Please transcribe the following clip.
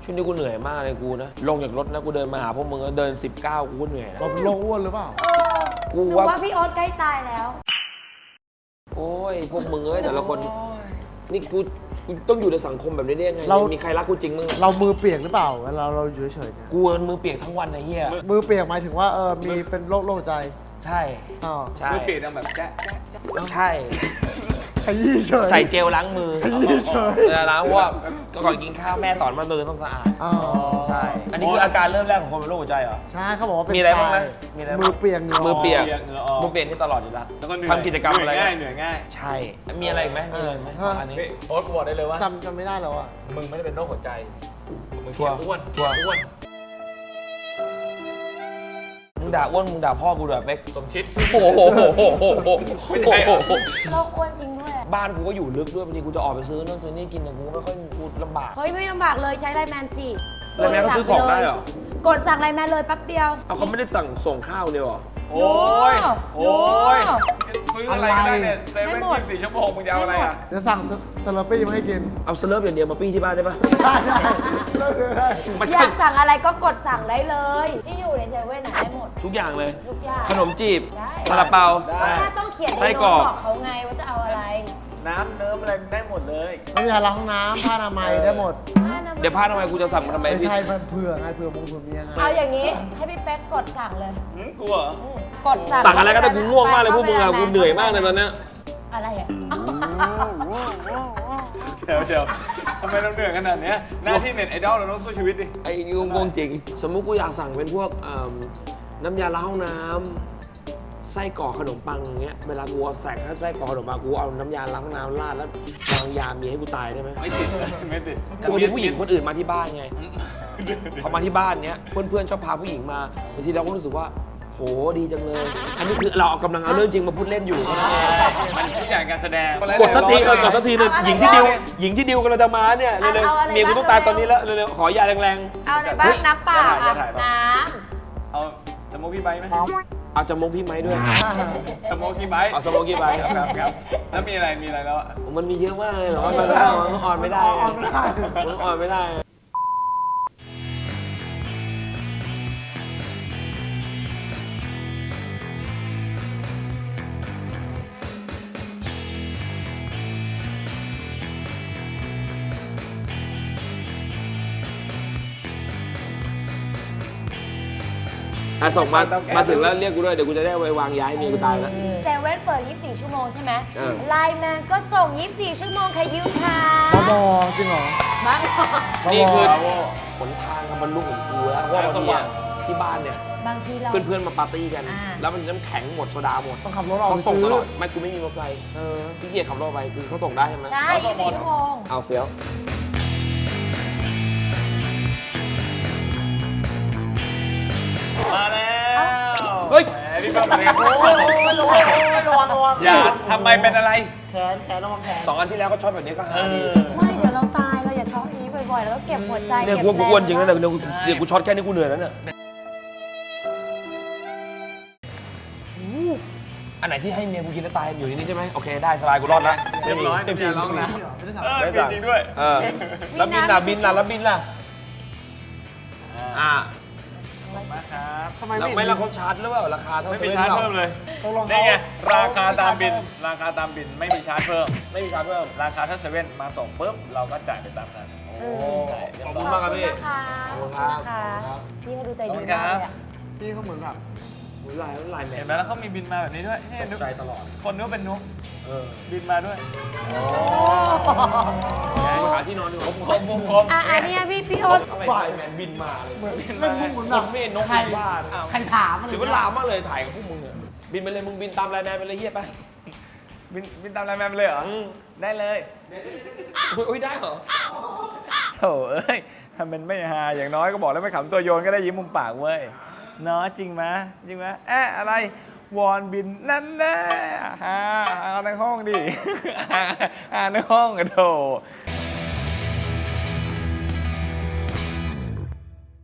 ช่วงนี้กูเหนื่อยมากเลยกูนะลงจากรถนะกูเดินมาหาพวกมึงเดิน19กูก็เหนื่อยแล้วเราโลอ้วนหรือเปล่ากูหนูว่าว่าพี่โอ๊ตใกล้ตายแล้วโอ้ยพวกมึงแต่ละคนนี่กูต้องอยู่ในสังคมแบบนี้ได้ยังไงมีใครรักกูจริงมึงเรามือเปียกหรือเปล่าเวลาเราอยู่เฉยๆเนี่ยกูมือเปียกทั้งวันไอ้เหี้ยมือเปียกหมายถึงว่ามีเป็นโรคใจใช่อ๋อใช่มือเปียกแบบแจ๊ะใช่ขยี้เฉยใส่เจลล้างมือขยี้เฉยล้างเพราะว่าก่อนกินข้าวแม่สอนมามือต้องสะอาดอ๋อใช่ อันนี้คืออาการเริ่มแรกของคนเป็นโรคหัวใจเหรอใช่เขาบอกว่าเป็นมีอะไรบ้างไหมทยมีอะไรบ้างมือเปียกเหงื่อมือเปียกเหงื่อออกมือเปียกนี่ตลอดอยู่แล้วแล้วก็เหนื่อยทำกิจกรรมอะไรเหนื่อยง่ายใช่ มีอะไรอีกไหมมีอะไรอีกไหมของอันนี้โอ๊ตกูบอกได้เลยว่าจำไม่ได้แล้วอ่ะมึงไม่ได้เป็นโรคหัวใจมึงชัวร์อ้วนชัวร์อ้วนมึงด่าอ้วนมึงด่าพ่อกูด่าเป๊กสมชิดโอ้โหไม่ใช่เหรอโรคอ้วนจริงด้วยบ้านกูก็อยู่ลึกด้วยบางทีกูจะออกไปซื้อนู่นซื้อนี่กินแต่กูก็ไม่ค่อยกูลำบากเฮ้ยไม่ลำบากเลยใช้ไลน์แมนสิไลน์แมนก็ซื้อของได้เหรอกดสั่งไลน์แมนเลยแป๊บเดียวเอาเขาไม่ได้สั่งส่งข้าวเลยเหรอโอ้ยโอ้โอ้ยซื้ออะไรก็ได้เนี่ยเซเว่นไม่หมด 24 ชั่วโมงมึงจะเอาอะไรอ่ะเดี๋ยวสั่งสลัดปี้มาให้กินเอาสเลิฟอย่างเดียวมาปี้ที่บ้านได้ปะได้เลิกเลยได้ไม่อใช่ยากสั่งอะไรก็กดสั่งได้เลย ที่อยู่ในเซเว่นได้หมดทุกอย่างเลยทุกอย่างขนมจีบได้ซาลาเปาแค่ต้องเขียนไส้ในกรโน้อตกบอกเขาไงว่าจะเอาอะไรน้ำเนิ้มอะไรได้หมดเลยน้ำยาล้างห้องน้ำผ้าอนามัยได้หมดเดี๋ยวพาทำไมกูจะสั่งมาทำไมไม่พี่ใช่มันเผื่อไงเผื่อมงเผื่อเมียไงเอาอย่างนี้ให้พี่เป๊กกดสั่งเลยกลัวเหรอกดสั่งสั่งอะไรก็ได้กูง่วงมากเลยพวกมึงอะกูเหนื่อยมากเลยตอนเนี้ยอะไรอ่ะเดี๋ยวทำไมต้องเหนื่อยขนาดเนี้ยหน้าที่เน็ตไอดอลเราต้องสู้ชีวิตดิไอ้งงจริง สมมุติกูอยากสั่งเป็นพวกน้ำยาล้างห้องน้ำไส้กรอกขนมปังอย่างเงี้ยเวลากูเอาใส่ข้าวไส้กรอกขนมปังกูเอาน้ำยาล้างห้องน้ำราดแล้ววางยาเมียให้กูตายได้ไหมไม่ติดไม่ติดคือบางทีผู้หญิงคนอื่นมาที่บ้านไงพอมาที่บ้านเนี้ยเพื่อนๆชอบพาผู้หญิงมาบางทีเราก็รู้สึกว่าโหดีจังเลย อันนี้คือเราเอากำลังเอาเรื่องจริงมาพูดเล่นอยู่มันทุกอย่างการแสดงกดสักทีกดสักทีนะหญิงที่ดิวกำลังจะมาเนี่ยเร็วๆเมียกูต้องตายตอนนี้แล้วเร็วๆขอยาแรงเอาอะไรบ้างน้ำเปล่าอ่ะน้เอาสโมกี้ไบท์ไหมๆเอาจมูกพี่ไม้ด้วยสโมกี้ไบท์เอาสโมกี้ไบท์ครับแล้วมีอะไรแล้วอะมันมีเยอะมากเลยแต่ว่ามันออนไม่ได้ออนไม่ได้มันออนไม่ได้ส่งมาถึงแล้วเรียกกูด้วยเดี๋ยวกูจะได้ไปวางย้ายเมียกูตายแล้วำเซเว่นเปิด 24 ชั่วโมงใช่ไหมเออไลน์แมนก็ส่ง 24 ชั่วโมงใครยืมค่ะบอจริงเหรอบ้านี่คือบราโวหนทางบรรลุของกูแล้วเพราะว่าบางทีอะที่บ้านเนี่ยบางทีเราเพื่อนๆมาปาร์ตี้กันอ่าแล้วมันน้ำแข็งหมดโซดาหมดต้องขับรถออกเขาไปส่งซื้ตอลอดไม่กูไม่มีรถไฟ พี่เกียร์ขับรถไปคือเขาส่งได้ใช่ไหมใช่ 24 ชั่วโมงเอาเฟี้ยวมาแล้วเฮ้ยแหมพี่ป้อมเป็นไงโอ้ยระวังอย่าทำไมเป็นอะไรแขนระวังแขน 2 อันที่แล้วก็ช็อตแบบนี้ก็หาดีไม่เดี๋ยวเราตายเราอย่าช็อกอย่างนี้บ่อยๆ แล้วก็เก็บหัวใจเนี่ยเก็บกูว่ากูอ้วนจริงนะแเดี๋ยวกูช็อตแค่นี้กูเหนื่อยแล้วเนี่ยอันไหนที่ให้เมียกูกินแล้วตายอยู่ในนี้ใช่ไหมโอเคได้สบายกูรอดแล้วเรียบร้อยต็มที่น้ำยาล้างน้ไม่ได้สั่งเกินจริงด้วยเออแล้วบินล่ะแล้วบินล่ะอ่ามาครับทำไมแล้วไม่ไม่ละเขาชาร์จหรือเปล่าราคาเท่าไม่มีซชาร์จว่นเพิ่มเลยตกลงนี่ไงเขราคาตามบินเขราคาตามบินไม่มีชาร์จเพิ่มไม่มีชาร์จเพิ่มราคาถ้าเซเว่นมาส่งปุ๊บเราก็จ่ายไปตามนั้นโอ้ใช่ขอบคุณมากครับพี่ขอบคุณนะคะพี่เขาดูใจดีมากเลยอะพี่เขาเหมือนแบบลายแมเห็นนไหมแล้วเขามีบินมาแบบนี้ด้วยนี่ตกใจตลอดคนนึกว่าเป็นนุ๊กเออบินมาด้วยมาหาที่นอนดีกว่าคมอ่ะอันเนี้ยพี่โอ๊ตทำไมลายแมนบินมาเลยเหมือนเล่นพวกเหมือนแบบไม่นกใครบ้านใครถามมันถือว่าลามมากเลยถ่ายกับพวกมึงเนี่ยบินไปเลยมึงบินตามไลน์แมนไปเลยเฮียไปบินตามไลน์แมนไปเลยเหรอ ได้เลยอุ้ยได้เหรอโถเอ้ยทำเป็นไม่ฮาอย่างน้อยก็บอกแล้วไม่ขำตัวโยนก็ได้ยิ้มมุมปากเว้ยเนาะจริงไหมจริงไหมอะไรวอนบินนั่นแน่ฮาในห้องดิ ฮาในห้องอะโถ